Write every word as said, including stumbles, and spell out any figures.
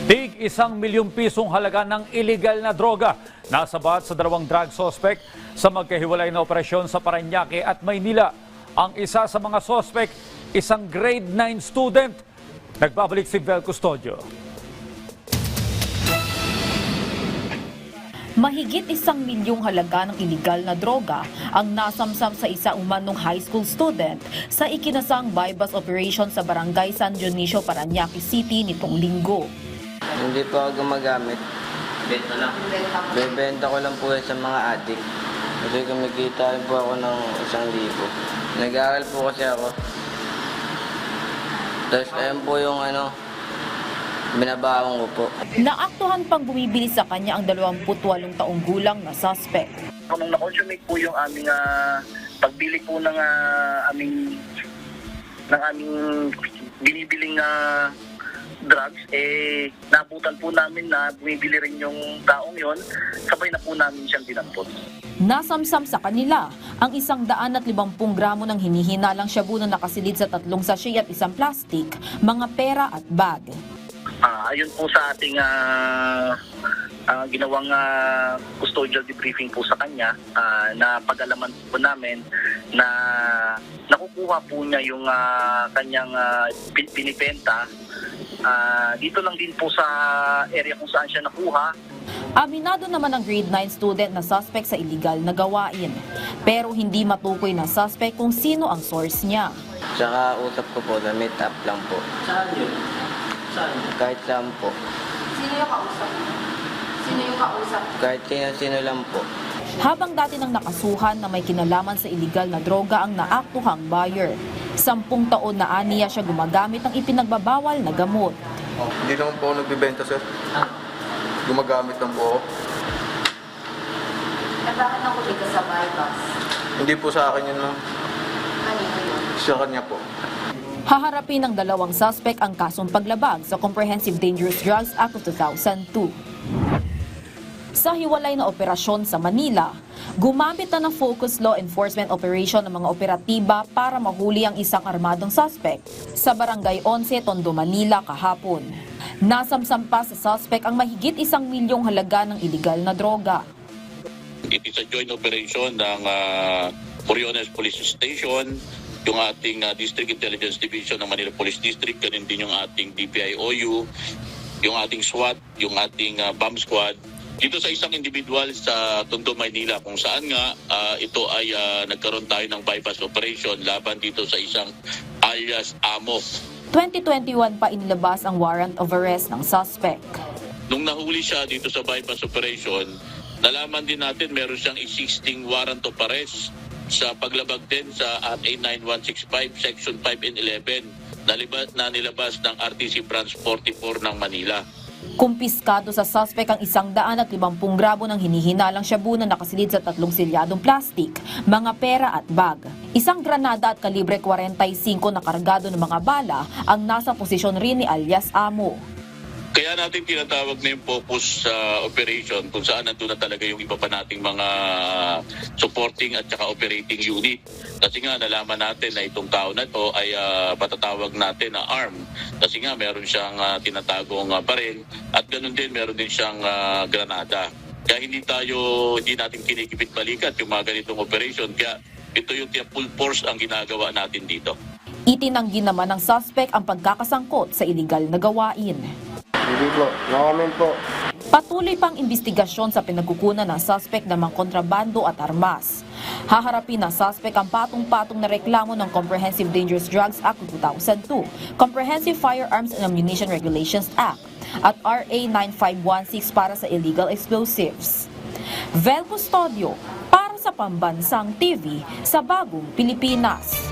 Tig isang milyong pisong halaga ng illegal na droga nasabat sa dalawang drug suspect sa magkahiwalay na operasyon sa Parañaque at Maynila. Ang isa sa mga suspect, isang grade nine student. Nagbabalik si Vel Custodio. Mahigit isang milyong halaga ng iligal na droga ang nasamsam sa isa umanong high school student sa ikinasang bypass operation sa barangay San Dionisio, Parañaque City nitong linggo. Hindi po ako gumagamit. Benta lang? Bebenta ko lang po yan sa mga adik. Kasi kumikita rin po ako ng isang libo. Nag-aaral po kasi ako. Tapos ayun po yung ano, binabaon ko po. Naaktuhan pang bumibili sa kanya ang dalawampu't walong taong gulang na suspect. Nung na-consummate po yung aming uh, pagbili po ng uh, aming ng aming binibiling uh, drugs, eh nabutan po namin na bumibili rin yung taong yon, sabay na po namin siyang dinampot. Nasamsam sa kanila ang isang daan at limampung gramo ng hinihinalang shabu na nakasilid sa tatlong sachet at isang plastic, mga pera at bag. Uh, ayun po sa ating uh, uh, ginawang uh, custodial debriefing po sa kanya, uh, na pag-alaman po namin na nakukuha po niya yung uh, kanyang uh, pinipenta. Uh, dito lang din po sa area kung saan siya nakuha. Aminado naman ang grade nine student na suspect sa illegal na gawain. Pero hindi matukoy na suspect kung sino ang source niya. Tsaka usap ko po, na meet up lang po. Saan yun? Saan? Kahit saan po. Sino yung kausap? Sino yung kausap? Kahit sino-sino lang po. Habang dati nang nakasuhan na may kinalaman sa illegal na droga ang naaktuhang buyer. Sampung taon na aniya siya gumagamit ng ipinagbabawal na gamot. Hindi naman po ako nagbibenta, sir. Gumagamit lang po ako. At bakit nakulit ka sa bypass? Hindi po sa akin yun, ma'am. Kanino yun? Sa kanya po. Haharapin ng dalawang suspect ang kasong paglabag sa Comprehensive Dangerous Drugs Act of two thousand two. Sa hiwalay na operasyon sa Manila, gumamit na ng focused law enforcement operation ng mga operatiba para mahuli ang isang armadong suspect sa Barangay eleven, Tondo, Manila kahapon. Nasamsam pa sa suspect ang mahigit isang milyong halaga ng iligal na droga. It is a joint operation ng uh, Coriones Police Station, yung ating uh, District Intelligence Division ng Manila Police District, ganun din yung ating D P I O U, yung ating SWAT, yung ating uh, bomb squad, dito sa isang individual sa Tondo, Maynila, kung saan nga uh, ito ay uh, nagkaroon tayo ng bypass operation laban dito sa isang alias Amo. twenty twenty-one pa inilabas ang warrant of arrest ng suspect. Nung nahuli siya dito sa bypass operation, nalaman din natin meron siyang existing warrant of arrest sa paglabag din sa A nine one six five Section five and eleven na, libas, na nilabas ng R T C Branch forty-four ng Manila. Kumpiskado sa suspect ang isang daan at limampung gramo ng hinihinalang shabu na nakasilid sa tatlong silyadong plastik, mga pera at bag. Isang granada at kalibre forty-five na kargado ng mga bala ang nasa posisyon rin ni alias Amo. Kaya natin tinatawag na yung focus sa uh, operation kung saan nandun na talaga yung iba pa nating mga supporting at saka operating unit. Kasi nga nalaman natin na itong tao na ito ay uh, patatawag natin na arm. Kasi nga meron siyang uh, tinatagong uh, baril at ganun din meron din siyang uh, granada. Kaya hindi tayo, hindi natin kinikipit balikat yung mga ganitong operation. Kaya ito yung full force ang ginagawa natin dito. Itinanggi naman ng suspect ang pagkakasangkot sa iligal na gawain. Hindi po. No-comment po. Patuloy pang investigasyon sa pinagkukunan ng suspect ng mga kontrabando at armas. Haharapin ng suspect ang patong-patong na reklamo ng Comprehensive Dangerous Drugs Act of two thousand two, Comprehensive Firearms and Ammunition Regulations Act at R A nine five one six para sa illegal explosives. Vel Custodio para sa Pambansang T V sa Bagong Pilipinas.